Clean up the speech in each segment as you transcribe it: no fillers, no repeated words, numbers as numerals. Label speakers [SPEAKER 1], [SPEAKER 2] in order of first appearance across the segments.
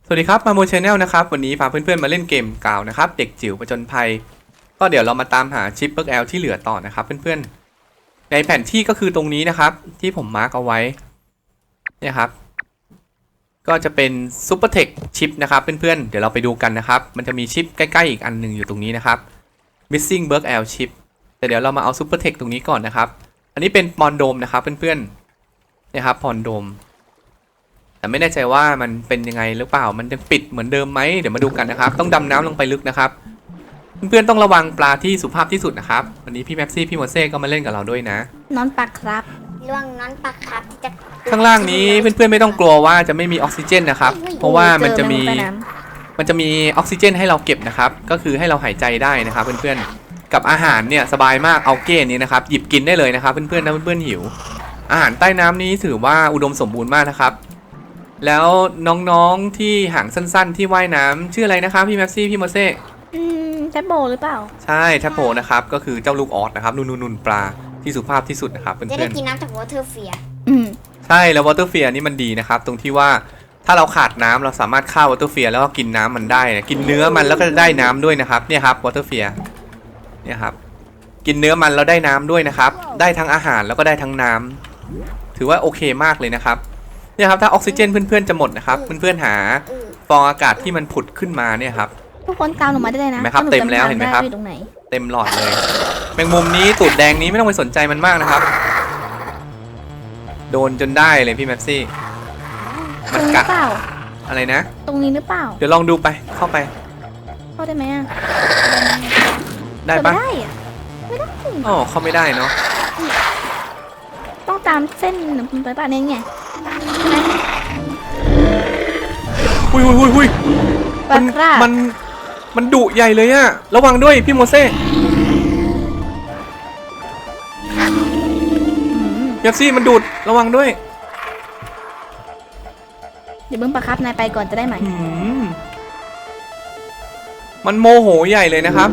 [SPEAKER 1] สวัสดีครับมาโมชแนลนะครับวันนี้พาเพื่อนๆมาเล่นเกมเก่านะครับเด็กจิ๋วผจญภัยก็เดี๋ยวเรามาตามหาชิปเบิร์กแอลที่เหลือต่อนะครับเพื่อนๆในแผนที่ก็คือตรงนี้นะครับที่ผมมาร์กเอาไว้เนี่ยครับก็จะเป็นซูเปอร์เทคชิปนะครับเพื่อนๆเดี๋ยวเราไปดูกันนะครับมันจะมีชิปใกล้ๆอีกอันหนึ่งอยู่ตรงนี้นะครับ missing เบิร์กแอลชิปแต่เดี๋ยวเรามาเอาซูเปอร์เทคตรงนี้ก่อนนะครับอันนี้เป็นปอนโดมนะครับเพื่อนๆเนี่ยครับปอนโดมแต่ไม่แน่ใจว่ามันเป็นยังไงหรือเปล่ามันยังปิดเหมือนเดิมไหมเดี๋ยวมาดูกันนะครับต้องดำน้ำลงไปลึกนะครับเพื่อนๆต้องระวังปลาที่สุภาพที่สุดนะครับวันนี้พี่แม็กซี่พี่โมเซ่ก็มาเล่นกับเราด้วยนะ
[SPEAKER 2] นอนปักครับ
[SPEAKER 3] ระวังน้อนปลาครับที่จะ
[SPEAKER 1] ข้างล่างนี้เพื่อนๆไม่ต้องกลัวว่าจะไม่มีออกซิเจนนะครับเพราะว่ามันจะมีออกซิเจนให้เราเก็บนะครับก็คือให้เราหายใจได้นะครับเพื่อนๆกับอาหารเนี่ยสบายมากเอาเก้นี้นะครับหยิบกินได้เลยนะครับเพื่อนๆนะเพื่อนๆหิวอาหารใต้น้ำนี้ถือว่าอุดมสมบูรณ์มากนะครับแล้วน้องๆที่หางสั้นๆที่ว่ายน้ำชื่ออะไรนะครับพี่แม็กซี่พี่โมเซ่
[SPEAKER 2] แทบโบหรือเปล่า
[SPEAKER 1] ใช่แทบโผนะครับก็คือเจ้าลูกออสนะครับนุ่นปลาที่สุภาพที่สุดนะครับเพื่อนๆ
[SPEAKER 3] จะได้กินน้ำจากวอเตอร์เฟีย
[SPEAKER 1] ใช่แล้ววอเตอร์เฟียนี่มันดีนะครับตรงที่ว่าถ้าเราขาดน้ำเราสามารถฆ่าวอเตอร์เฟียแล้วก็กินน้ำมันได้กินเนื้อมันแล้วก็ได้น้ำด้วยนะครับเนี่ยครับวอเตอร์เฟียเนี่ยครับกินเนื้อมันแล้วได้น้ำด้วยนะครับได้ทั้งอาหารแล้วก็ได้ทั้งน้ำถือว่าโอเคมากเลยนะครับเนี่ยครับถ้าออกซิเจนเพื่อนๆจะหมดนะครับเพื่อนๆหาฟองอากาศที่มันผุดขึ้นมาเนี่ยครับ
[SPEAKER 2] ทุกคนตามหนูมาได้เลยนะ
[SPEAKER 1] เห็นไหมครับเต็มแล้วเห็นไหมครับเต็มหลอดเลยแมงมุมนี้ตูดแดงนี้ไม่ต้องไปสนใจมันมากนะครับโดนจนได้เลยพี่แม็กซี่
[SPEAKER 2] มันกัด
[SPEAKER 1] อะไรนะ
[SPEAKER 2] ตรงนี้หรือเปล่า
[SPEAKER 1] เดี๋ยวลองดูไปเข้าไป
[SPEAKER 2] เข้าได้ไหมอ่ะ
[SPEAKER 1] ได้ปะ
[SPEAKER 2] ไม่ได้อ่ะไม่ได้
[SPEAKER 1] อ๋อเข้าไม่ได้เนาะ
[SPEAKER 2] ต้องตามเส้นไปป่ะเนี่ยไง
[SPEAKER 1] หุยมันดุใหญ่เลยอะระวังด้วยพี่โมเซ่ยักซี่มันดูดระวังด้วย
[SPEAKER 2] เดี๋ยวเบิ้งปะครับนายไปก่อนจะได้ไหม
[SPEAKER 1] มันโมโหใหญ่เลยนะครับ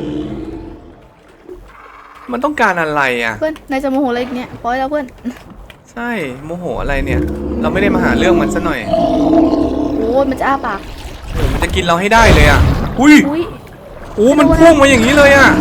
[SPEAKER 1] มันต้องการอะไรอะ
[SPEAKER 2] เพื่อนนายจะโมโหอะไรอีกเนี่ยปล่อยแล้วเพื่อน
[SPEAKER 1] ใช่โมโหอะไรเนี่ยเราไม่ได้มาหาเรื่องมันซะหน่อย
[SPEAKER 2] โอ้ยมันจะอ้าปาก
[SPEAKER 1] มันจะกินเราให้ได้เลยอ่ะอุ้ยโอ้มันพุ่งมาอย่างนี้เลยอ่ะ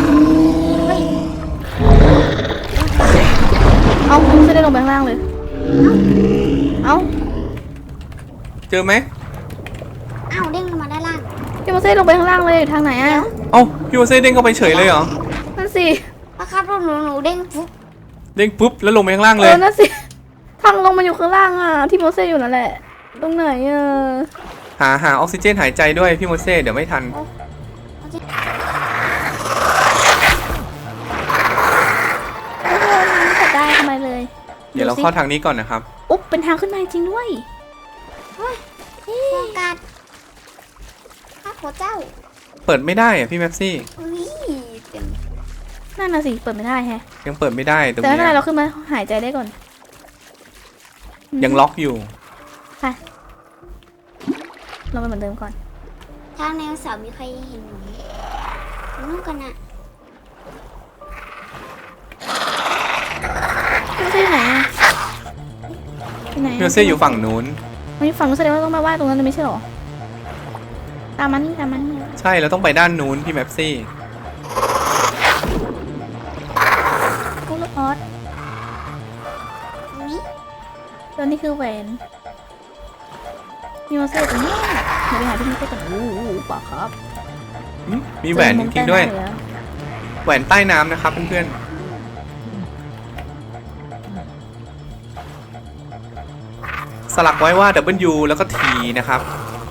[SPEAKER 2] เอาจะได้ลงไปข้างล่างเลยเอา
[SPEAKER 1] เจอไหม
[SPEAKER 3] เอาเด้งลงมาด้านล่าง
[SPEAKER 2] พี่โมเซ่ลงไปข้างล่างเลยทางไหนอ่ะ
[SPEAKER 1] เอ้าพี่โมเซ่เด้งเข้าไปเฉยเลยเหรอ
[SPEAKER 2] นั่นสิ
[SPEAKER 3] ครับหนูเด้งปุ๊บ
[SPEAKER 1] แล้วลงไปข้างล่างเลย
[SPEAKER 2] นั่นสิทางลงมาอยู่ข้างล่างอ่ะที่โมเซ่อยู่นั่นแหละตรงไหนอ่ะ
[SPEAKER 1] หาออกซิเจนหายใจด้วยพี่โมเซ่เดี๋ยวไม่ทัน
[SPEAKER 2] ได้ทำไมเลย
[SPEAKER 1] เดี๋ยวเราเข้าทางนี้ก่อนนะครับ
[SPEAKER 2] อุ๊บเป็นทางขึ้นมาจริงด้วย
[SPEAKER 3] โฟกัสข้าหัวเจ้า
[SPEAKER 1] เปิดไม่ได้อะพี่แม็กซี่
[SPEAKER 2] นั่นน่ะสิเปิดไม่ได้แฮะ
[SPEAKER 1] ยังเปิดไม่ได้ตรงนี้
[SPEAKER 2] แต่ถ้าเราขึ้นมาหายใจได้ก่อน
[SPEAKER 1] ยังล็อกอยู่
[SPEAKER 2] ค่ะเราไปเหมือนเดิมก่อน
[SPEAKER 3] ทางแนวเสามีใครเห็นหนูนู่นกันนะ
[SPEAKER 2] พี่เซ่ไหนอ่ะ
[SPEAKER 1] พี่เซ่อยู่ฝั่งนู้น
[SPEAKER 2] ไม่ฝั่งนู้นแสดงว่าต้องมาว่าตรงนั้นไม่ใช่หรอตามมัน
[SPEAKER 1] ใช่เราต้องไปด้านนู้นพี่แม็กซี่
[SPEAKER 2] กูลูกออสตัวนี้คือแหวนมีโมเสสตรงนี้เดี๋ยวไปหาที่โมเสสกันป่ะครับ
[SPEAKER 1] มีแหวนจริงๆด้วยแหวนใต้น้ำนะครับเพื่อนๆสลักไว้ว่า W แล้วก็ T นะครับ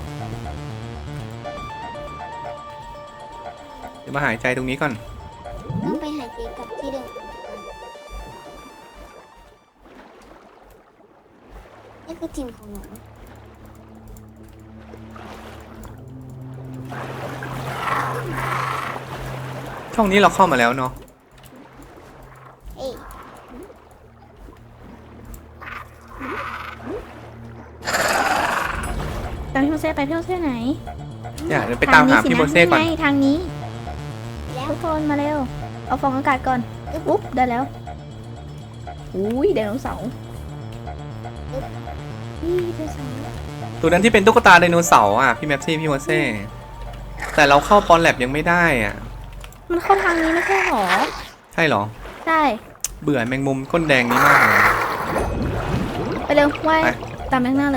[SPEAKER 1] เดี๋ยวมาหายใจตรงนี้ก่อน
[SPEAKER 3] ต้องไปหายใจกับที่เดิมนี่คือทีมของหนู
[SPEAKER 1] ช่องนี้เราเข้ามาแล้วเนาะ
[SPEAKER 2] ตามพี่โมเซ่ไปพี่โมเซ่ไหน
[SPEAKER 1] เดี๋ยวไปตามหาพี่โมเซ่ก่อน
[SPEAKER 2] ทางนี้ทุกคนมาเร็วเอาฟองอากาศก่อนอุ๊บได้แล้วอุ้ยไดโนเสาร์ไดโนเสาร์
[SPEAKER 1] ตัวนั้นที่เป็นตุ๊กตาไดโนเสาร์อ่ะพี่แมปซี่พี่โมเซ่แต่เราเข้าปอนแลบยังไม่ได้อ่ะ
[SPEAKER 2] มันเข้าทางนี้ไม่ใช่หรอ
[SPEAKER 1] ใช่เหรอ
[SPEAKER 2] ใช่
[SPEAKER 1] เบื่อแมงมุมก้นแดงนี้มากเลย
[SPEAKER 2] ไปเร็วว่าย
[SPEAKER 1] ไป
[SPEAKER 2] ตามแมงหน้าเลย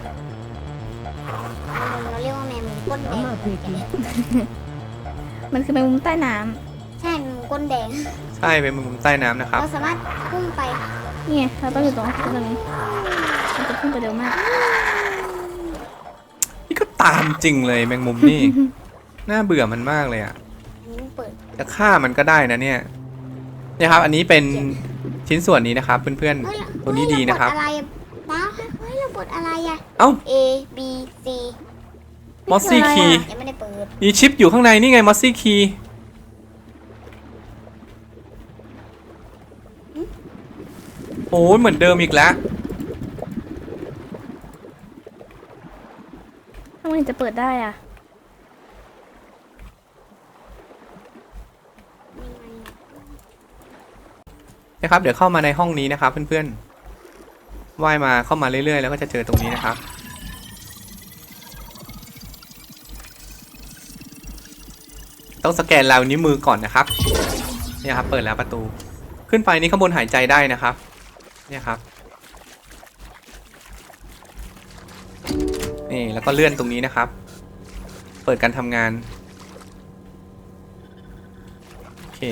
[SPEAKER 3] เราเรียกว่าแมงมุมก้นแดง
[SPEAKER 2] มันคือแมงมุมใต้น้
[SPEAKER 3] ใช่แมงมุมก้นแดง
[SPEAKER 1] ใช่เป็นแมงมุมใต้น้ำนะครับ
[SPEAKER 3] เราสามารถพุ่งไป
[SPEAKER 2] ำนี่ไงเราต้องอยู่ตรงนี้มันจะพุ่งไปเร็วมาก
[SPEAKER 1] นี่ก็ตามจริงเลยแมงมุมนี่ น่าเบื่อมันมากเลยอ่ะ
[SPEAKER 3] อันนี้มันเปิด
[SPEAKER 1] จะฆ่ามันก็ได้นะเนี่ยเนี่ยครับอันนี้เป็นชิ้นส่วนนี้นะครับเพื่อน
[SPEAKER 3] เฮ้ย
[SPEAKER 1] ๆตัวนี้ดีนะครับ
[SPEAKER 3] เฮ้ยเราเปิดอะไรนะเฮ้ยเราเปิดอะไรอะ
[SPEAKER 1] เอ้า
[SPEAKER 3] A B C
[SPEAKER 1] มอสซี่คีย์
[SPEAKER 3] ยังไม่ได้เปิด
[SPEAKER 1] มีชิปอยู่ข้างในนี่ไงมอสซี่คีย์โอ้ยเหมือนเดิมอีกแล้ว
[SPEAKER 2] ทำไมถึงจะเปิดได้อ่ะ
[SPEAKER 1] นะครับเดี๋ยวเข้ามาในห้องนี้นะครับเพื่อนๆว่ายมาเข้ามาเรื่อยๆแล้วก็จะเจอตรงนี้นะครับต้องสแกนลายนิ้วมือก่อนนะครับเนี่ยครับเปิดแล้วประตูขึ้นไปนี่ข้างบนหายใจได้นะครับเนี่ยครับนี่แล้วก็เลื่อนตรงนี้นะครับ เปิดการทำงานโอเค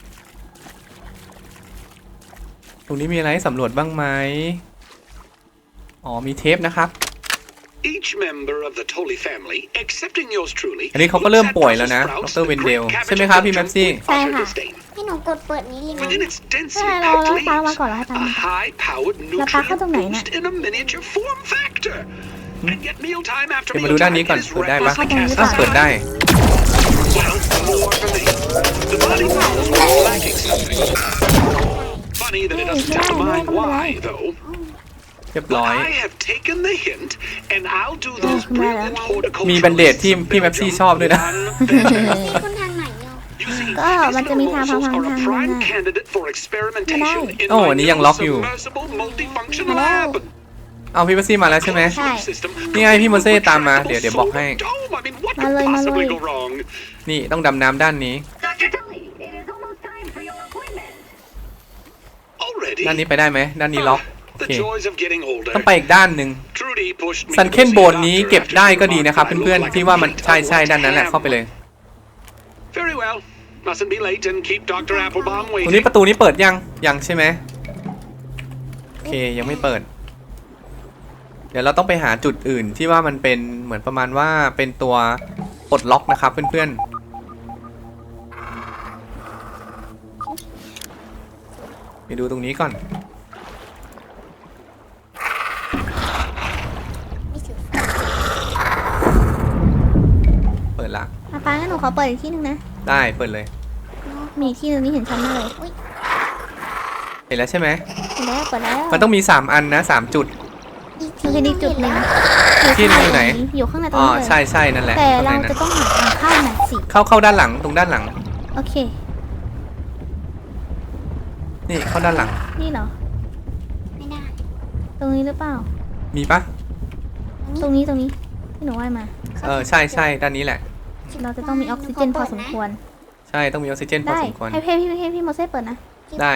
[SPEAKER 1] ตรงนี้มีอะไรให้สำรวจบ้างไหมอ๋อมีเทปนะครับ
[SPEAKER 4] Each member of the Tolley family, excepting yours truly,
[SPEAKER 1] อันนี้เขาก็เริ่มป่วยแล้วนะดรเวนเดลใช่ไหมครับพี่แมปซี่
[SPEAKER 2] ใช่ค่ะ
[SPEAKER 3] ให้หนูกดเปิดนี้เลยนะ
[SPEAKER 4] Within its
[SPEAKER 2] ใช่
[SPEAKER 4] densely
[SPEAKER 2] เรา
[SPEAKER 4] packed
[SPEAKER 2] ตามมา
[SPEAKER 4] leaves,
[SPEAKER 2] ก่อนแล้วให้ตาม
[SPEAKER 4] a
[SPEAKER 2] มา
[SPEAKER 4] high-powered
[SPEAKER 2] Là phá cái
[SPEAKER 4] nutrient
[SPEAKER 2] tông này nè.
[SPEAKER 4] boost in a miniature form factor. And yet mealtime after
[SPEAKER 1] เดี๋ยวมาดูด้าน
[SPEAKER 4] mealtime
[SPEAKER 1] นี้ก่อน
[SPEAKER 4] is
[SPEAKER 1] เปิดได้ปะ
[SPEAKER 4] recklessly
[SPEAKER 1] อ้าว
[SPEAKER 4] cast
[SPEAKER 1] เปิด
[SPEAKER 4] aside.
[SPEAKER 1] ได้
[SPEAKER 4] Well, more for me. The body knows we're lacking something. Funny that it doesn't tell the mind why, though.
[SPEAKER 1] เรียบร้อย
[SPEAKER 4] I have taken the hint, and I'll do those
[SPEAKER 2] không ra
[SPEAKER 4] brilliant horticulturalists
[SPEAKER 1] มีแบนเดดที่พี่แมปซี่ชอบด้วยนะ
[SPEAKER 4] one better.
[SPEAKER 3] นี่คุณทางไหนเนาะ
[SPEAKER 4] You see,
[SPEAKER 2] ก็มันจะมีทาง
[SPEAKER 4] these
[SPEAKER 2] ทาง
[SPEAKER 4] are a
[SPEAKER 2] ทาง
[SPEAKER 4] prime
[SPEAKER 2] น่ะ
[SPEAKER 4] candidate for experimentation in
[SPEAKER 1] โอ้
[SPEAKER 4] my
[SPEAKER 1] อันนี้ยัง
[SPEAKER 4] new
[SPEAKER 1] ล็อกอยู่
[SPEAKER 4] submersible multifunction
[SPEAKER 2] มาแล้ว
[SPEAKER 4] lab.
[SPEAKER 1] เอาพี่แมปซี่มาแล้วใช่ไหม
[SPEAKER 2] ใช่
[SPEAKER 4] System
[SPEAKER 1] นี่ไงพี่โมเซ่ตามมาเดี๋ยวบอกให้
[SPEAKER 4] Dome. I mean, what
[SPEAKER 2] มา
[SPEAKER 4] could
[SPEAKER 2] เลยมาเล
[SPEAKER 4] possibly
[SPEAKER 2] ย
[SPEAKER 4] go wrong?
[SPEAKER 1] นี่ต้องดำน้ำด้านนี้
[SPEAKER 5] Dr. Tully, it is almost time for your appointment.
[SPEAKER 4] Already.
[SPEAKER 1] ด้านนี้ไปได้ไหมด้านนี้ล็อกโอ
[SPEAKER 4] The
[SPEAKER 1] เค
[SPEAKER 4] joys of getting older.
[SPEAKER 1] ต้องไปอีกด้านหนึ่ง
[SPEAKER 4] Trudy pushed me
[SPEAKER 1] ซัน
[SPEAKER 4] to
[SPEAKER 1] เคน
[SPEAKER 4] go see
[SPEAKER 1] โบ
[SPEAKER 4] a
[SPEAKER 1] นนี้
[SPEAKER 4] doctor
[SPEAKER 1] เก็บ
[SPEAKER 4] after
[SPEAKER 1] ได้
[SPEAKER 4] she
[SPEAKER 1] ก็ดีนะครับ
[SPEAKER 4] remarked that I
[SPEAKER 1] เพื่อน
[SPEAKER 4] look
[SPEAKER 1] ๆที่ว่ามัน
[SPEAKER 4] like a
[SPEAKER 1] ใช่ใช่
[SPEAKER 4] white
[SPEAKER 1] ด้านนั้นแหละ
[SPEAKER 4] ham.
[SPEAKER 1] เข้าไปเลย
[SPEAKER 4] Very well. Mustn't be late and keep Dr. Applebaum
[SPEAKER 1] ตรงนี้
[SPEAKER 4] waiting.
[SPEAKER 1] ประตูนี้เปิดยังใช่ไหมโอเคยังไม่เปิด เดี๋ยวเราต้องไปหาจุดอื่นที่ว่ามันเป็นเหมือนประมาณว่าเป็นตัวปลดล็อกนะครับเพื่อนๆไปดูตรงนี้ก่อน
[SPEAKER 3] ไม่ถือ
[SPEAKER 1] เปิดละ
[SPEAKER 2] ป้างั้นหนูขอเปิดอีกที่หนึงนะ
[SPEAKER 1] ได้เปิดเลย
[SPEAKER 2] มีอีกที่หนึงนี่เห็นชัดมากเลย
[SPEAKER 1] เห็นแล้วใช่ไหม
[SPEAKER 2] เปิดแล้ว
[SPEAKER 1] มันต้องมี3อันนะ3จุด
[SPEAKER 3] อีก
[SPEAKER 2] มันคืออีกจุดหนึ่ง
[SPEAKER 1] ที่หนึ่งอยู่ไหน
[SPEAKER 2] อยู่ข้างในตรง
[SPEAKER 1] อ๋อ
[SPEAKER 2] นี้เลย
[SPEAKER 1] ใช่นั่นแหละ
[SPEAKER 2] แต่
[SPEAKER 1] ข้างใน
[SPEAKER 2] เรา
[SPEAKER 1] นั้
[SPEAKER 2] จะ
[SPEAKER 1] น
[SPEAKER 2] ต้องหาทางเข้าหน่อยสิ
[SPEAKER 1] เข้าด้านหลังตรงด้านหลัง
[SPEAKER 2] โอเค
[SPEAKER 1] นี่เข้าด้านหลัง
[SPEAKER 2] นี่เหรอ
[SPEAKER 3] ไม่ได้
[SPEAKER 2] ตรงนี้หรือเปล่า
[SPEAKER 1] มีปะ
[SPEAKER 2] ตรงนี้ที่หนูว่ายมา
[SPEAKER 1] ใช่ด้านนี้แหละ
[SPEAKER 2] เราจะต้องมีออกซิเจนพอสมควร
[SPEAKER 1] ใช่ต้องมีออกซิเจนพอ
[SPEAKER 2] ได้
[SPEAKER 1] สมควร
[SPEAKER 2] ให้พี่โมเซ่เปิดนะ
[SPEAKER 1] ได้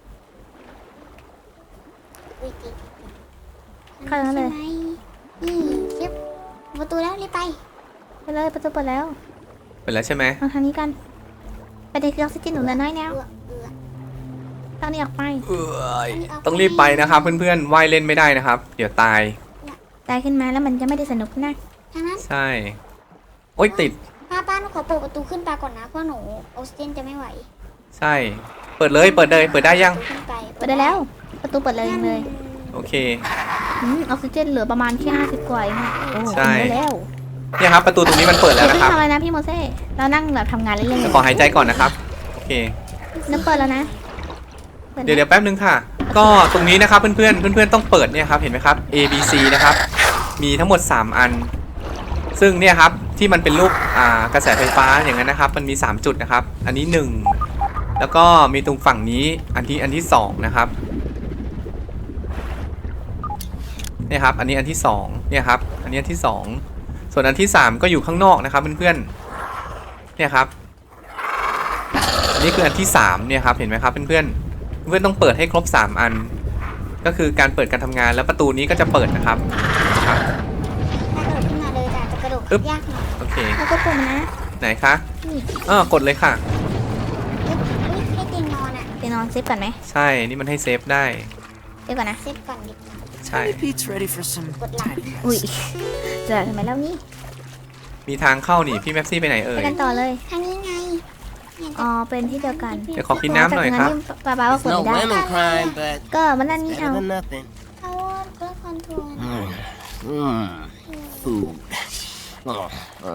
[SPEAKER 3] อุ๊ยติด
[SPEAKER 2] เข้าแล้วเลย
[SPEAKER 3] ใช่ไหมนี่เรียบประตูแล้วรีบไป
[SPEAKER 2] ไปเลยประตูเปิดแล้ว
[SPEAKER 1] เปิดแล้วใช่ไหม
[SPEAKER 2] มาทางนี้กัน ไปเด็กออกซิเจนหนูเลยน้อยแล้ว
[SPEAKER 3] เอือเอือ
[SPEAKER 2] ทางนี้ออกไป
[SPEAKER 1] ต้องรีบไปนะครับเพื่อนๆว่ายเล่นไม่ได้นะครับ เดี๋ยวตาย
[SPEAKER 2] ตายขึ้นมาแล้วมันจะไม่ได้สนุกนะ
[SPEAKER 3] ทางนั้น
[SPEAKER 1] ใช่ โอ๊ยติด
[SPEAKER 3] ป้าหนูขอเปิดประตูขึ้นไปก่อนนะเพราะหนูออกซิเจนจะไม่ไหว
[SPEAKER 1] ใช่ เปิดเลยเปิดได้ยัง
[SPEAKER 3] ขึ้นไป
[SPEAKER 2] เปิดได้แล้ว ประตูเปิดเลยเลย
[SPEAKER 1] โอเค
[SPEAKER 2] ออกซิเจนเหลือประมาณแค่50 กว่าเองอะโอ้
[SPEAKER 1] ใช่
[SPEAKER 2] ได้แล้ว
[SPEAKER 1] เนี่ยครับประตูตรงนี้มันเปิดแล้ว
[SPEAKER 2] เดี๋ยว
[SPEAKER 1] นะครับ
[SPEAKER 2] ทำอะไรนะพี่โมเซ่เรานั่งแบบทำงานเล่นๆ
[SPEAKER 1] เดี๋ยวขอหายใจก่อนนะครับ โอเค
[SPEAKER 2] นึกเปิดแล้วนะปินะ
[SPEAKER 1] เดี๋ยวแป๊บนึงค่ะ ก็ตรงนี้นะครับเพื่อนๆต้องเปิดเนี่ยครับเห็นไหมครับ A B C นะครับมีทั้งหมด3อัน ซึ่งเนี่ยครับที่มันเป็นรูปกระแสไฟฟ้าอย่างนั้นนะครับมันมี3จุดนะครับอันนี้1แล้วก็มีตรงฝั่งนี้อันที่2นะครับเนี่ยครับอันนี้อันที่2เนี่ยครับอันนี้อันที่2ส่วนอันที่3ก็อยู่ข้างนอกนะครับเพื่อนๆเนี่ยครับอันนี้คืออันที่3เนี่ยครับเห็นไหมครับเพื่อนๆเพื่อนต้องเปิดให้ครบ3อันก็คือการเปิดการทำงานแล้วประตูนี้ก็จะเปิดนะครับ
[SPEAKER 3] ถ้ากระโดดขึ้นมาเลยแต่อาจจะกระโดดยากหน่อย
[SPEAKER 1] โอเค
[SPEAKER 2] แล้วก็ปุ่มนะ
[SPEAKER 1] ไหนคะ
[SPEAKER 2] นี่
[SPEAKER 1] กดเลยค่ะ
[SPEAKER 3] อุ๊ยให้ตีนนอนอ่ะ
[SPEAKER 2] ไปนอนเซฟก่อนไหม
[SPEAKER 1] ใช่นี่มันให้เซฟได้
[SPEAKER 2] เซฟก่อนนะ
[SPEAKER 3] เซฟก่อนดิบ
[SPEAKER 1] ใช่
[SPEAKER 6] Tiny Pete's ready for some tidy mess.
[SPEAKER 2] อุ้ยจะทำไมแล้วนี่
[SPEAKER 1] มีทางเข้านี่พี่แม็ปซี่ไปไหนเอ่
[SPEAKER 2] ไป
[SPEAKER 1] ย
[SPEAKER 2] กันต่อเลย
[SPEAKER 3] ทางนี้ไงเนี่ย
[SPEAKER 2] อ๋อเป็นที่เดียวกัน
[SPEAKER 1] เดี๋ยวขอกินน้ำหน่อยครับ
[SPEAKER 2] ป้าว่า
[SPEAKER 6] It's
[SPEAKER 2] กด
[SPEAKER 6] no
[SPEAKER 2] ไม่ได้
[SPEAKER 6] lemon crime, but
[SPEAKER 2] ก็มันนั่นนี่
[SPEAKER 6] better
[SPEAKER 2] เอา
[SPEAKER 6] than nothing.
[SPEAKER 3] เขาเพื่อคอนโทรล
[SPEAKER 6] Food. Oh,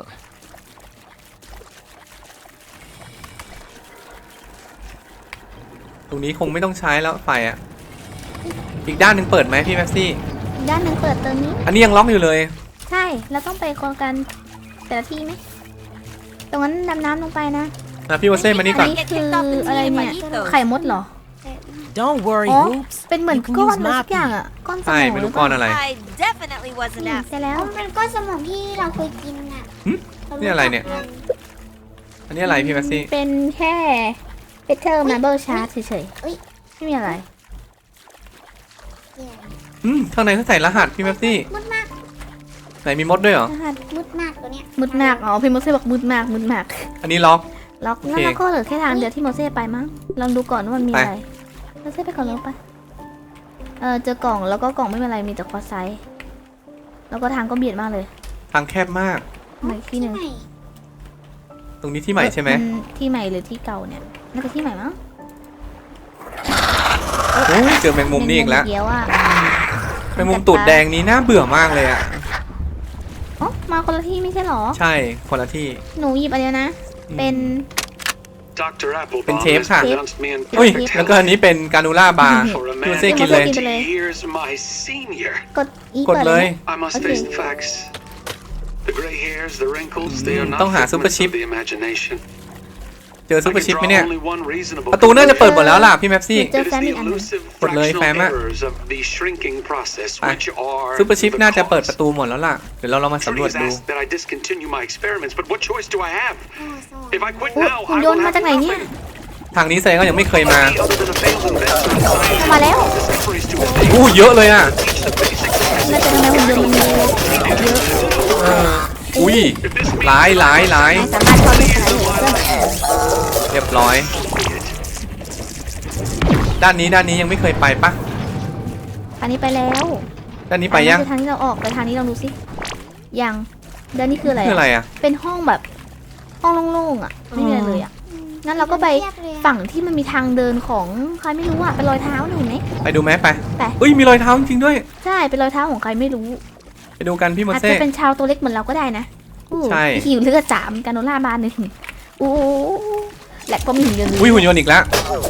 [SPEAKER 1] ตรงนี้คงไม่ต้องใช้แล้วไฟอ่ะอีกด้านหนึ่งเปิดไหมพี่แม็ปซี่
[SPEAKER 2] อีกด้านหนึ่งเปิดตัวนี้
[SPEAKER 1] อันนี้ยังล็อกอยู่เลย
[SPEAKER 2] ใช่เราต้องไปโครงการแต่ละที่ไหมตรงนั้นดำน้ำลงไปนะ
[SPEAKER 1] พี่โมเซ่มานี่ก่อน
[SPEAKER 2] อันนี้คืออะไรเนี่ยไข่มดเหรอ
[SPEAKER 6] don't worry,
[SPEAKER 2] อ๋อ
[SPEAKER 6] Hoops.
[SPEAKER 2] เป็นเหมือน
[SPEAKER 6] You can
[SPEAKER 2] ก้อน
[SPEAKER 6] use
[SPEAKER 2] อะไร
[SPEAKER 6] my
[SPEAKER 2] สักอย่าง
[SPEAKER 6] pea.
[SPEAKER 2] อ่ะก้อนสม
[SPEAKER 1] ใช่
[SPEAKER 2] อง
[SPEAKER 1] ไม่รู้ก้อนอะไร
[SPEAKER 7] I definitely wasn't
[SPEAKER 2] นี่
[SPEAKER 7] asked.
[SPEAKER 2] ใช่แล้ว
[SPEAKER 3] มันเป็นก้อนสมองที่เราเคยกินอ่ะ
[SPEAKER 1] หึนี่อะไรเนี่ย อันนี้อะไรพี่แม็ปซี่
[SPEAKER 2] เป็นแค่เบเทอร์มาเบิลชาร์ตเฉย
[SPEAKER 3] อุ๊ย
[SPEAKER 2] ๆไม่มีอะไร
[SPEAKER 3] เดี๋ยว
[SPEAKER 1] ข้างในเขาใส่รหัสพี่แม็ปซี่
[SPEAKER 3] มุดมาก
[SPEAKER 1] ไหนมีมดด้วยเหรอ
[SPEAKER 2] รหัส
[SPEAKER 3] มุดมากตัวเนี้ย
[SPEAKER 2] มุดมากอ๋อพี่โมเซ่บอกมุดมากมุดมาก
[SPEAKER 1] อันนี้ล็อก
[SPEAKER 2] ล็อก
[SPEAKER 1] โอเค
[SPEAKER 2] แล้วเราก็เหลือแค่ทางเดียวที่โมเซ่ไปมั้งลองดูก่อนว่ามันมี
[SPEAKER 1] ไป
[SPEAKER 2] อะไรโมเซ่ไปก่อนแล้วไปเจอกล่องแล้วก็กล่องไม่เป็นไรมีแต่คอไซส์แล้วก็ทางก็เบียดมากเลย
[SPEAKER 1] ทางแคบมาก
[SPEAKER 2] มาอีกที่หนึ่ง
[SPEAKER 3] ไหน
[SPEAKER 1] ตรงนี้ที่ใหม่ใช่ไหม
[SPEAKER 2] ที่ใหม่หรือที่เก่าเนี่ยน่าจะที่ใหม่มั้ง
[SPEAKER 1] โอ้ยเจอแมงมุมนี่อีกแล้ว
[SPEAKER 2] เดียวอ่ะ
[SPEAKER 1] แมงมุมตูดแดงนี้น่าเบื่อมากเลยอ่ะ
[SPEAKER 2] อ๋อมาคนละที่ไม่ใช่หรอ
[SPEAKER 1] ใช่คนละที่
[SPEAKER 2] หนูหยิบอันเดียวนะ เป็น
[SPEAKER 4] Dr. Applebaum
[SPEAKER 1] Bên chém
[SPEAKER 4] has
[SPEAKER 1] hả?
[SPEAKER 4] pronounced me
[SPEAKER 1] อุ้ย
[SPEAKER 4] infected
[SPEAKER 1] แล้วก็อันนี้เป็นการูล่าบาร์
[SPEAKER 4] for a
[SPEAKER 1] พี่โม
[SPEAKER 4] man
[SPEAKER 1] เซ่กินเลย
[SPEAKER 2] กินไปเลย
[SPEAKER 4] 20 years my senior.
[SPEAKER 2] กดอี
[SPEAKER 1] กด
[SPEAKER 2] เปิด
[SPEAKER 1] เล
[SPEAKER 2] เลย ย
[SPEAKER 4] I must
[SPEAKER 2] Okay.
[SPEAKER 4] face the facts. The gray hairs, the wrinkles, they are not
[SPEAKER 1] ต้องหา super
[SPEAKER 4] figments
[SPEAKER 1] chip
[SPEAKER 4] of the imagination.
[SPEAKER 1] เจอ
[SPEAKER 4] I
[SPEAKER 1] ซูเปอ
[SPEAKER 4] can
[SPEAKER 1] ร์ชิปไหม
[SPEAKER 4] draw
[SPEAKER 1] เนี่ย
[SPEAKER 4] only one reasonable
[SPEAKER 1] ประตูน่าจะเปิดหมดแล้วล่ะพี่แม็ปซี่
[SPEAKER 2] เจอ
[SPEAKER 4] It is
[SPEAKER 2] แฟมอี
[SPEAKER 4] the
[SPEAKER 2] กอันหนึ่ง
[SPEAKER 4] elusive
[SPEAKER 1] กดเลยแฟม
[SPEAKER 4] fractional
[SPEAKER 1] อะ
[SPEAKER 4] errors of the shrinking process,
[SPEAKER 1] ไป
[SPEAKER 4] which are
[SPEAKER 1] ซูเปอร์ชิป
[SPEAKER 4] the
[SPEAKER 1] น่าจะเปิด
[SPEAKER 4] cause.
[SPEAKER 1] ประตูหมดแล้วล่ะ เดี๋ยวเราลองมาสำรวจ
[SPEAKER 4] Trudy has
[SPEAKER 1] ดู
[SPEAKER 4] asked that I discontinue my experiments, but what choice do I have?
[SPEAKER 3] โอ้สวรร
[SPEAKER 4] If I
[SPEAKER 3] ค์
[SPEAKER 4] quit
[SPEAKER 2] โอ้
[SPEAKER 4] now,
[SPEAKER 2] หุ่น
[SPEAKER 4] I
[SPEAKER 2] ยน
[SPEAKER 4] will
[SPEAKER 2] ต์มา
[SPEAKER 4] have
[SPEAKER 2] จากไหนเนี่ย
[SPEAKER 4] nothing
[SPEAKER 1] ทางนี้แสดงว่ายังไม่เคยมา
[SPEAKER 4] other than a failed investment in science
[SPEAKER 2] มาแล้ว
[SPEAKER 4] discoveries to make.
[SPEAKER 1] อู้เยอะเลยอ่ะ
[SPEAKER 4] Teach the basics of
[SPEAKER 2] น่าจะทำไมหุ่นยนต์มันมีเยอะ
[SPEAKER 1] อุ้ยหลาย
[SPEAKER 2] นายสามารถเข้าได้ขนาดนี้เพื่อน
[SPEAKER 1] เรียบร้อย ด้านนี้ยังไม่เคยไปปะ
[SPEAKER 2] อันนี้ไปแล้ว
[SPEAKER 1] ด้านนี้ไปยัง
[SPEAKER 2] อันนี้คือทางที่เราออกไปทางนี้ลองดูสิยังเดี๋ยวนี้คืออะไร
[SPEAKER 1] คืออะไรอ่ะ
[SPEAKER 2] เป็นห้องแบบห้องโล่งๆอ่ะไม่มีอะไรเลยอ่ะงั้นเราก็ไป
[SPEAKER 3] เทียบเลยอะ
[SPEAKER 2] ฝั่งที่มันมีทางเดินของใครไม่รู้อ่ะเป็นรอยเท้าหนูไหม
[SPEAKER 1] ไปดูไหมไป
[SPEAKER 2] ไป
[SPEAKER 1] อุ้ยมีรอยเท้าจริงๆด้วย
[SPEAKER 2] ใช่เป็นรอยเท้าของใครไม่รู้
[SPEAKER 1] ไปดูกันพี่โม
[SPEAKER 2] อาจ
[SPEAKER 1] เซ่
[SPEAKER 2] จะเป็นชาวตัวเล็กเหมือนเราก็ได้นะอู้
[SPEAKER 1] ใช่
[SPEAKER 2] หิวเลือด3การโนล่าบานหนึ่งอู้และก็มีหุ่นยนต์
[SPEAKER 1] อุ้ยหุ่นยนต์อีกแล้ว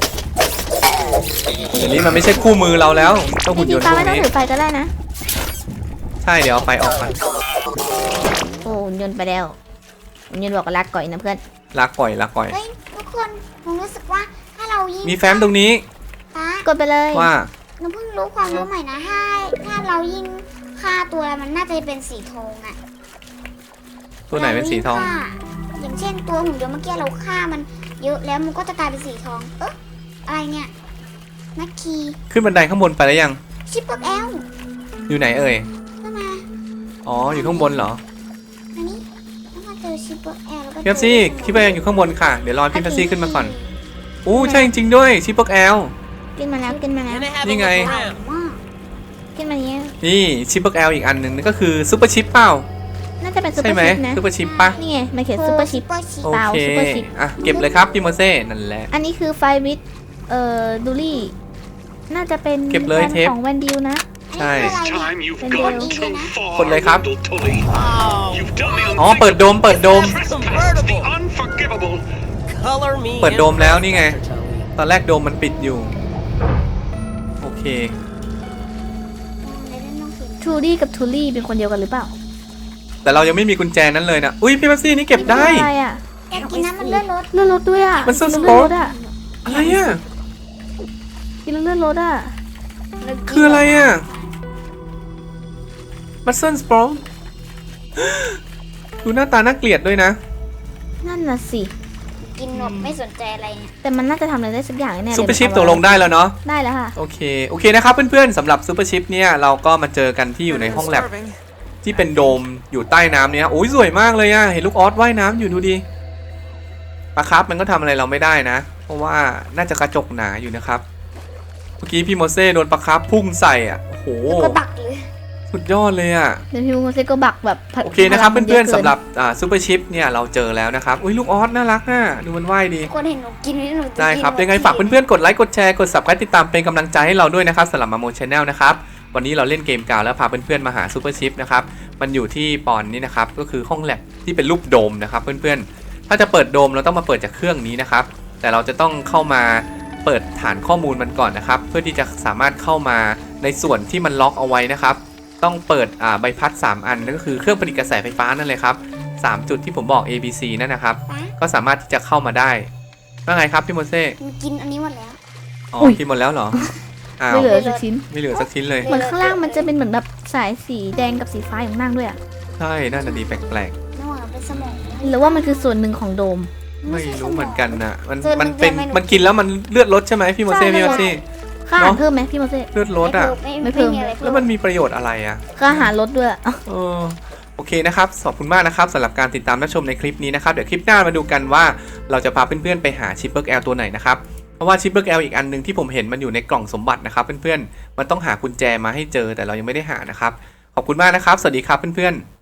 [SPEAKER 1] เดี๋ยวนี้มันไม่ใช่คู่มือเราแล้วต้อง
[SPEAKER 2] จ
[SPEAKER 1] หุ่น
[SPEAKER 2] ริ
[SPEAKER 1] ย
[SPEAKER 2] ง
[SPEAKER 1] นต์
[SPEAKER 2] ๆ
[SPEAKER 1] พ
[SPEAKER 2] ป้าว
[SPEAKER 1] ก
[SPEAKER 2] ไม่ต้อง
[SPEAKER 1] นี้
[SPEAKER 2] ถือไฟก็ได้นะ
[SPEAKER 1] ใช่เดี๋ยวเอาไฟออกมา
[SPEAKER 2] โอ้หุ่นยนต์ไปแล้วหุ่นยนต์บอกว่ารักก่อยนะเพื่อน
[SPEAKER 1] ลากปล่อย
[SPEAKER 3] เฮ้ยทุกคนผมรู้สึกว่าถ้าเรายิง
[SPEAKER 1] มีแฟ้มตรงนี้
[SPEAKER 3] ป้าก
[SPEAKER 2] ดไปเลย
[SPEAKER 1] ว่า
[SPEAKER 3] หนูเพิ่งรู้ความรู้ใหม่นะถ้าเรายิงฆ่าตัวอะไรมันน่าจะเป็นสีทองอะ
[SPEAKER 1] ตัวไหนเป็นสีทอง
[SPEAKER 3] วลาเรายิฆ่าอย่างเช่นตัวหุ่นยนต์เมื่อกี้เราฆ่ามันเยอะแล้วมันก็จะกลายเป็นสีทอง อะไรเนี่ยนักคี
[SPEAKER 1] ขึ้นบันไดข้างบนไปแล้วยัง
[SPEAKER 3] ชิปเปอร์แอล
[SPEAKER 1] อยู่ไหนเอ่ย
[SPEAKER 3] เข้ามา
[SPEAKER 1] อ๋ออยู่ข้างบนเหรอ
[SPEAKER 3] อันนี้แล้วมาเจอชิปเปอร์แอลแล้วก็
[SPEAKER 1] พี่แป๊บซี่คิดว่ายังอยู่ข้างบนค่ะเดี๋ยวรอพี่แป๊บซี่ขึ้นมาก่อนอู้ใช่จริงๆด้วยชิปปอกแอล
[SPEAKER 2] ขึ้นมาแล้วขึ้นมาแล้ว
[SPEAKER 6] Can I have a
[SPEAKER 1] Như
[SPEAKER 6] look
[SPEAKER 1] ngày.
[SPEAKER 6] around?
[SPEAKER 3] มาก
[SPEAKER 2] ขึ้นมาเนี้ย
[SPEAKER 1] นี่ชิปปอกแอลอีกอันหนึ่งนั่นก็คือซูเปอร์ชิปเปล่า
[SPEAKER 2] น่าจะเป็นซูเป
[SPEAKER 1] ใช่
[SPEAKER 2] อร์
[SPEAKER 1] ไหม
[SPEAKER 2] ชิปนะ
[SPEAKER 1] ซูเปอร์ชิปปะ
[SPEAKER 2] นี่ไงมันเขียนซูเปอร์ชิป
[SPEAKER 1] โอ
[SPEAKER 2] เปล่า
[SPEAKER 1] เค
[SPEAKER 2] ซูเปอร์ชิป
[SPEAKER 1] อ่ะเก็บเลยครับพี่โมเซ่นั่นแหละ
[SPEAKER 2] อันนี้คือไฟวิทดูลี่น่าจะเป็น
[SPEAKER 1] เก็บเลย
[SPEAKER 2] แฟน
[SPEAKER 1] เทป
[SPEAKER 2] ของแวนดิวนะ
[SPEAKER 1] ใช่
[SPEAKER 3] อันนี้คืออะไร
[SPEAKER 4] Time you've
[SPEAKER 2] Bên
[SPEAKER 4] gone
[SPEAKER 2] đường.
[SPEAKER 4] too far,
[SPEAKER 1] Quần lấy khắp.
[SPEAKER 4] little Tully.
[SPEAKER 6] Oh,
[SPEAKER 4] You've done the
[SPEAKER 1] อ๋อเปิดโดม
[SPEAKER 4] unthinkable.
[SPEAKER 1] เปิดโดม
[SPEAKER 4] Trespassed the unforgivable.
[SPEAKER 6] color me
[SPEAKER 1] เปิดโดมแล้วนี่ไง
[SPEAKER 6] Dr. Tully.
[SPEAKER 1] ตอนแรกโดมมันปิดอยู่ โอเค
[SPEAKER 3] ในเรื่องน้องเขียน
[SPEAKER 2] ทูดี้กับทูลี่เป็นคนเดียวกันหรือเปล่า
[SPEAKER 1] แต่เรายังไม่มีกุญแจนั้นเลยนะอุ้ยพี่แป๊บซี่นี่เก็บได้
[SPEAKER 2] อะไรอ่ะ
[SPEAKER 3] อยากกินน้ำมันเลือดรถ
[SPEAKER 2] เลื่อนรถด้วยอ่ะ
[SPEAKER 1] มันเสื้อ
[SPEAKER 2] กิ
[SPEAKER 1] ส
[SPEAKER 2] เลื่
[SPEAKER 1] ปอ
[SPEAKER 2] อน
[SPEAKER 1] ร์
[SPEAKER 2] ร
[SPEAKER 1] ต
[SPEAKER 2] ถอ่ะ
[SPEAKER 1] อะไรอ่ะ
[SPEAKER 2] กินแล้วเลื่อนรถอ่ะ
[SPEAKER 1] คืออะไรอ่ะมัสเซิลสปรองดูหน้าตาน่าเกลียดด้วยนะ
[SPEAKER 2] นั่นน่ะสิ
[SPEAKER 3] กินนมไม่สนใจอะไรเนี่ย
[SPEAKER 2] แต่มันน่าจะทำอะไรได้สักอย่างแน่ๆเลย
[SPEAKER 1] ซูเปอร์ชิปตกลงได้แล้วเนาะ
[SPEAKER 2] ได้แล้วค่ะ
[SPEAKER 1] โอเคนะครับเพื่อนๆสำหรับซูเปอร์ชิปเนี่ยเราก็มาเจอกันที่อยู่ในห้องแลบที่เป็นโดมอยู่ใต้น้ำเนี่ยโอ้ยสวยมากเลยอะเห็นลูกออสว่ายน้ำอยู่ดูดิปลาครับมันก็ทำอะไรเราไม่ได้นะ เพราะว่าน่าจะกระจกหนาอยู่นะครับเมื่อกี้พี่โมเซ่โดนปลาครับพุ่งใส่อ่ะโอ้โห
[SPEAKER 3] ก็บักเลย
[SPEAKER 1] สุดยอดเลยอ่ะ
[SPEAKER 2] เดี๋ยวพี่มุกเซก็บักแบบ
[SPEAKER 1] โอเคนะครับ
[SPEAKER 2] พลังมั
[SPEAKER 1] เพื่อน
[SPEAKER 2] ยะ
[SPEAKER 1] ๆ
[SPEAKER 2] กิ
[SPEAKER 1] สำหรับซูเปอร์ชิปเนี่ยเราเจอแล้วนะครับอุ้ยลูกออสน่ารักน่ะดูมันว่ายดี
[SPEAKER 3] คนเห็นหนูกินนี่หนูจะ
[SPEAKER 1] ได้ครับ
[SPEAKER 3] กิน
[SPEAKER 1] ยังไงฝากเพื่อนๆกดไลค์กดแชร์กด subscribe ติดตามเป็นกำลังใจให้เราด้วยนะครับสำหรับมาโมชแนลนะครับวันนี้เราเล่นเกมกาวแล้วพาเพื่อนๆมาหาซูเปอร์ชิปนะครับมันอยู่ที่ปอนนี่นะครับก็คือห้องแลบที่เป็นรูปโดมนะครับเพื่อนๆถ้าจะเปิดโดมเราต้องมาเปิดจากเครื่องนี้นะครับแต่เราจะต้องเข้ามาเปิดฐานข้อมูลมันก่อนนะครับเพื่อที่จะสามารถเข้ามาในส่วนที่มันล็อกเอาไว้นะครับต้องเปิดใบพัด3อันนั่นก็คือเครื่องผลิตกระแสไฟฟ้านั่นเลยครับ3จุดที่ผมบอก A B C นั่นนะครับก็สามารถที่จะเข้ามาได้ว่าไงครับพี่โมเซ่
[SPEAKER 3] หนูกินอันนี้หมดแล้ว
[SPEAKER 1] อ๋อกินหมดแล้วเหรออ้าว
[SPEAKER 2] ไม่เหลือสักชิ้น
[SPEAKER 1] ไม่เหลือสักชิ้นเลย
[SPEAKER 2] เหมือนข้างล่างมันจะเป็นเหมือนแบบสายสีแดงกับสีฟ้าอยู่ข้างล่างด้วยอะ
[SPEAKER 1] ใช่น่าจะดีแปลก
[SPEAKER 3] นวดเป็นสมอง
[SPEAKER 2] หรือว่ามันคือส่วนหนึ่งของโดม
[SPEAKER 1] ๆไม่รู้เหมือนกันนะมัน
[SPEAKER 3] ส่วนหนึ่
[SPEAKER 1] มัน
[SPEAKER 3] ง
[SPEAKER 1] เป็น
[SPEAKER 3] ไม่รู้
[SPEAKER 1] มันกินแล้วมันเลือดลดใช่ไหมพี่โมเซ่
[SPEAKER 2] ใช่
[SPEAKER 1] พี่โมเซ่
[SPEAKER 2] ค่าอาหาร
[SPEAKER 1] เนอะ
[SPEAKER 2] เพิ่มไหมพี่โมเซ่
[SPEAKER 1] เลือดลดอ่ะ
[SPEAKER 2] ไม่เพิ่ม
[SPEAKER 3] มีอะไร
[SPEAKER 1] แล้วมันมีประโยชน์อะไรอ่ะ
[SPEAKER 2] ค่าอาหารลดด้วย
[SPEAKER 1] เออโอเคนะครับขอบคุณมากนะครับสำหรับการติดตามรับชมในคลิปนี้นะครับเดี๋ยวคลิปหน้ามาดูกันว่าเราจะพาเพื่อนๆไปหาชิปเปิร์กแอลตัวไหนนะครับเพราะว่าชิปเปิร์กแอลอีกอันนึงที่ผมเห็นมันอยู่ในกล่องสมบัตินะครับเพื่อนๆมันต้องหากุญแจมาให้เจอแต่เรายังไม่ได้หานะครับขอบคุณมากนะครับสวัสดีครับเพื่อนๆ